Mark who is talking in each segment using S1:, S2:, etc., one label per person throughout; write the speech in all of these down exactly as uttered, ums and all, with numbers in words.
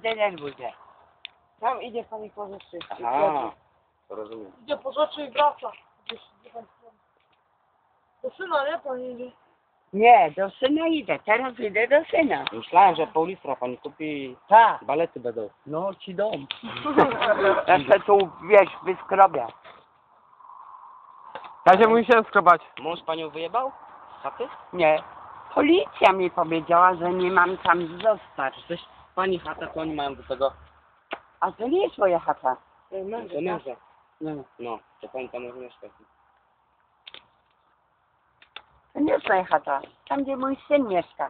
S1: denerwuj się. Tam idzie pani po rzeczy.
S2: Aha, to rozumiem.
S3: Idzie po rzeczy i wraca. Gdzieś, gdzie pan stron. Do syna, nie? Pani idzie.
S1: Nie, do syna idę, teraz idę do syna.
S2: Myślałem, że pół litra pani kupi,
S1: Tak.
S2: balety będą.
S1: No ci dom. Ja się tu, wiesz, wyskrobię.
S4: Kasia musi się skrobać.
S2: Mąż panią wyjebał? Z chaty?
S1: Nie. Policja mi powiedziała, że nie mam tam zostać.
S2: Coś pani chata, to oni mają do tego.
S1: A to nie jest moja chata.
S2: To męża.
S1: No.
S2: No, to pani tam może mieszkać.
S1: To nie jest moja chata. Tam, gdzie mój syn mieszka.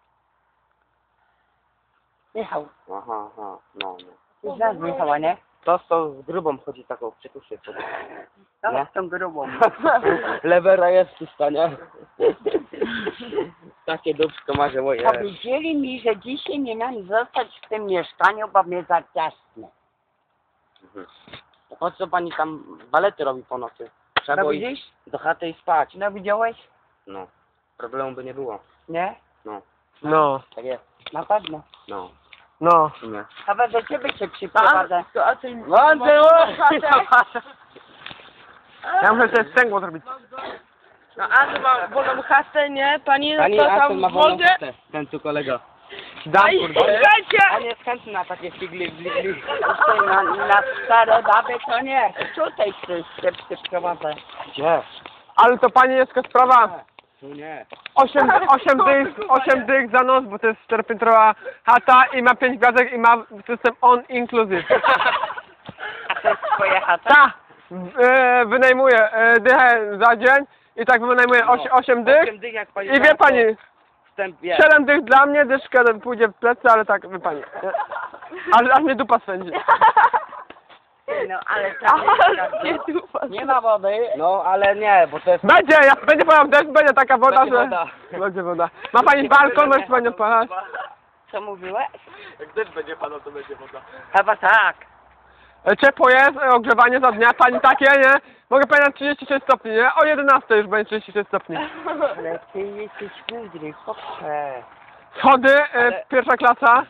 S1: Michał.
S2: Aha, aha, no, no.
S1: Ty znasz Michała, nie?
S2: To z tą z grubą chodzi taką przytuszy sobie.
S1: No,
S2: Nie?
S1: z tą grubą.
S2: Lewera jest w stanie. Takie dupsko ma, że moje.
S1: Powiedzieli mi, że dzisiaj nie mam zostać w tym mieszkaniu, bo mnie za ciasne.
S2: Mhm. Po co pani tam balety robi po nocy? Trzeba
S1: No
S2: było iść
S1: widzisz?
S2: do chaty i spać.
S1: No widziałeś?
S2: No. Problemu by nie było.
S1: Nie?
S2: No.
S4: No,
S2: Tak jest.
S1: Na pewno.
S2: No.
S4: no.
S2: W sumie.
S1: Chyba do ciebie się przyprowadzę.
S3: To, a ty...
S2: Wąty,
S4: Ja muszę sobie stęgło zrobić.
S3: No a ty ma wolną chatę, nie? Pani,
S2: Pani
S3: to
S2: Aston
S3: tam
S2: ma
S3: w
S2: wolną
S3: wodzie?
S2: chatę. Ten tu kolega.
S4: Dam,
S3: Ej,
S4: kurde.
S3: słuchajcie!
S2: On jest chętny na takie figli, bli, bli.
S1: Tutaj na, na stare baby to nie. Tutaj się przyprowadzę.
S2: Gdzie?
S4: Ale to pani jest taka sprawa.
S2: Tu nie.
S4: Osiem, osiem dych, osiem dych za noc, bo to jest czteropiętrowa chata i ma pięć gwiazdek i ma system on inclusive.
S1: A to jest twoja chata?
S4: Ta! E, wynajmuję e, dychę za dzień i tak wynajmuję oś, osiem dych.
S2: Osiem dych jak pani
S4: I wie pani,
S2: Wstęp jest.
S4: siedem dych dla mnie, dyszka pójdzie w plecy, ale tak, wie pani. nie? Aż, aż mnie dupa swędzi.
S1: No ale tam jest, nie ma wody.
S2: No ale nie, bo to jest...
S4: Będzie, jak będzie padał deszcz, będzie taka woda,
S2: Będzie
S4: że...
S2: woda.
S4: Będzie woda. Ma pani balkon, może pani odpalać?
S1: Co mówiłeś?
S4: Jak deszcz będzie padał, to będzie woda.
S1: Chyba tak.
S4: E, Ciepło jest, e, ogrzewanie za dnia, pani takie, nie? Mogę pani na trzydzieści sześć stopni, nie? O jedenastej już będzie trzydzieści sześć stopni.
S1: Ale ty jesteś mądry, chłopcze.
S4: Schody, e,
S2: Ale-
S4: pierwsza klasa.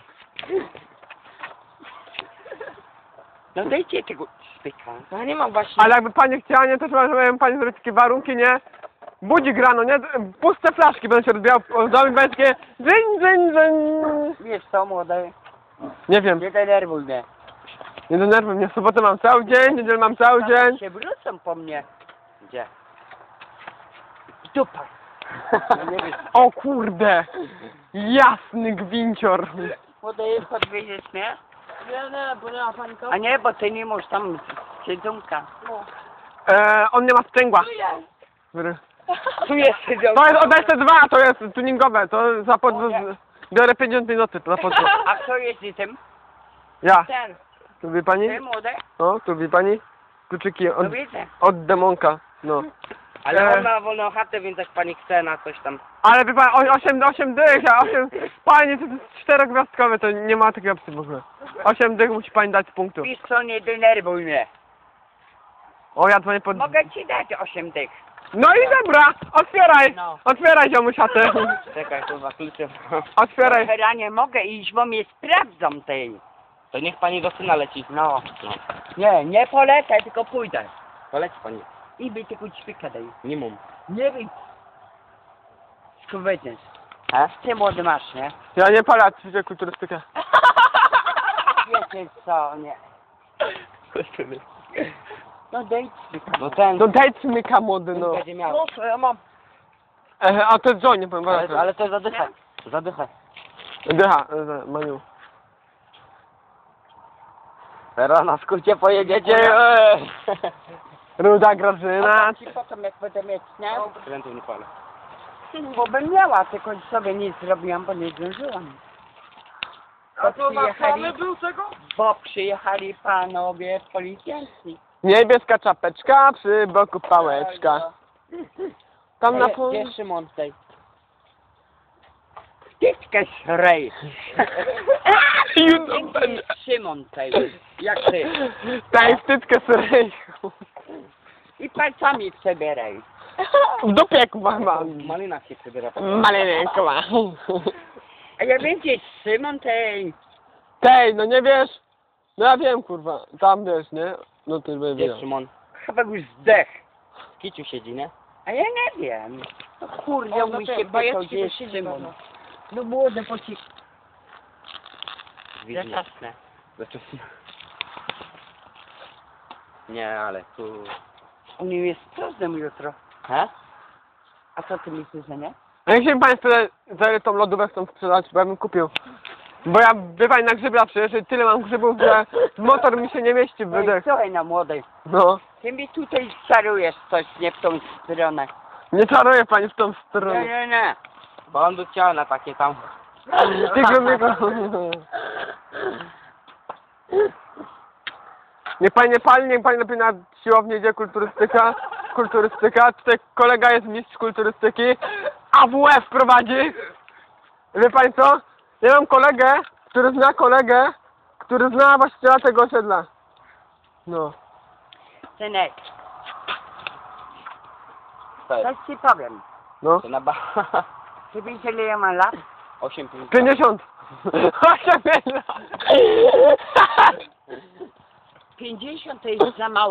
S1: No dajcie tego styka.
S3: Ja nie mam właśnie.
S4: Ale jakby pani chciała, nie, to trzeba, żeby pani zrobić takie warunki, nie? Budzik rano, nie? Puste flaszki będą się rozbijały w domu i będzie takie dzyń, dzyń, dzyń.
S1: Wiesz co, młody?
S4: Nie wiem,
S1: Nie denerwuj mnie.
S4: nie denerwuj mnie, w sobotę mam cały dzień, niedzielę mam cały dzień.
S1: Się wrócą po mnie.
S2: Gdzie?
S1: Dupa. Nie wiesz.
S4: O kurde! Jasny gwincior.
S1: Młody, podwieziesz mnie?
S3: Nie, nie, bo nie ma pani
S1: A nie, bo ty nie możesz tam siedzonka.
S4: E, on nie ma sprzęgła.
S1: Tu jest siedzonka.
S4: To jest od S dwa, to jest tuningowe, to za pod... Biorę pięćdziesiąt minuty za pod...
S1: A kto jeździ tym?
S4: Ja.
S1: Ten.
S4: Tu wie pani?
S1: Ty, młody?
S4: O, tu wie pani? Kluczyki
S1: No
S4: od,
S1: widzę.
S4: od demonka, no.
S2: Ale
S4: E.
S2: on ma wolną chatę, więc jak pani chce na coś tam...
S4: Ale wie pan, osiem, osiem dych, a osiem... Pani, to jest czterogwiazdkowe, to nie ma takiej opcji w ogóle. osiem dych musi pani dać z punktu.
S1: Wiesz co, nie denerwuj mnie.
S4: O, ja dzwonię pod...
S1: Mogę ci dać osiem dych.
S4: No i dobra, otwieraj!
S1: No.
S4: Otwieraj, ziomuś chatę.
S2: Czekaj, kurwa, klucze.
S4: Otwieraj.
S1: Teraz nie mogę iść, bo mnie sprawdzą tej.
S2: To niech pani do syna leci.
S1: No.
S2: No.
S1: Nie, nie polecę, tylko pójdę.
S2: To leci pani.
S1: I by tylko ćwika daj.
S2: Nie mum.
S1: Nie wiem. Skubydniesz. A? Ty młody masz, nie?
S4: Ja nie palę, ćwiczę kulturystykę.
S1: Wiecie co, nie. No daj ćwika.
S2: No ten...
S4: No daj cmyka młody, no.
S2: będzie miał.
S3: Proszę, ja mam.
S4: E, a to jest John, nie powiem
S2: Ale,
S4: bardzo.
S2: ale to zadycha. Zadycha.
S4: Dycha, e, Maniu.
S2: Teraz na skrócie pojedziecie. eee.
S4: Ruda Grażyna.
S1: A ci potem jak będę mieć, nie?
S2: Krętów nie palę.
S1: Bo bym miała, tylko sobie nic zrobiłam, bo nie zdążyłam.
S3: A to na
S1: przyjechali-
S3: plany był tego?
S1: Bo przyjechali panowie policjanci.
S4: Niebieska czapeczka, przy boku pałeczka. Tam na
S1: Gdzie-
S4: pół...
S1: Gdzie Szymon tej? Wtyczkę szrej. Gdzie Szymon tej? Jak ty?
S4: Daj wtyczkę syryjku.
S1: I palcami przebieraj.
S4: W dupie kuba mam.
S2: W malinach się przybiera.
S4: Maleńko ma.
S1: A ja wiem, gdzie jest Szymon tej.
S4: Tej, no nie wiesz? No ja wiem, kurwa. Tam wiesz, nie? No ty by
S2: Gdzie
S4: wiedział.
S2: Szymon?
S1: Chyba już zdech.
S2: W kiciu siedzi, nie?
S1: A ja nie wiem. No kurde,
S3: O, no
S1: mój
S3: te
S1: się
S3: bajeczki
S1: pytał, gdzie jest
S3: to siedzi
S1: Szymon.
S3: pewno. No młode poci...
S2: Widnie.
S1: Zaczasne.
S2: Zaczasne. Nie, ale tu...
S1: U nim jest sprawdzam jutro.
S2: He?
S1: A co ty myślisz, że nie?
S4: A jak się państwo za ile tą lodówkę chcą sprzedać, bo ja bym kupił. Bo ja, wie pani, na grzyba przyjeżdżę i tyle mam grzybów, że motor mi się nie mieści w
S1: No i
S4: wydech.
S1: słuchaj na młodej.
S4: No.
S1: Ty mi tutaj czarujesz coś, nie w tą stronę.
S4: Nie czaruję pani w tą
S1: Nie,
S4: stronę.
S1: nie, nie.
S2: Bo on by chciał na takie tam...
S4: Tylko mnie... Niech pani nie pali, niech pani lepiej na siłownię idzie kulturystyka. Kulturystyka. Tutaj kolega jest mistrz kulturystyki. A W F prowadzi. Wie pani co? Ja mam kolegę, który zna kolegę, który zna właściciela tego osiedla. No.
S1: Synek,
S2: To jest...
S1: coś ci powiem.
S4: No.
S2: To na ba...
S1: Ty wiesz, ile ja mam lat?
S2: osiem pięć.
S4: pięćdziesiąt. osiem lat.
S1: pięćdziesiąt to jest za mało.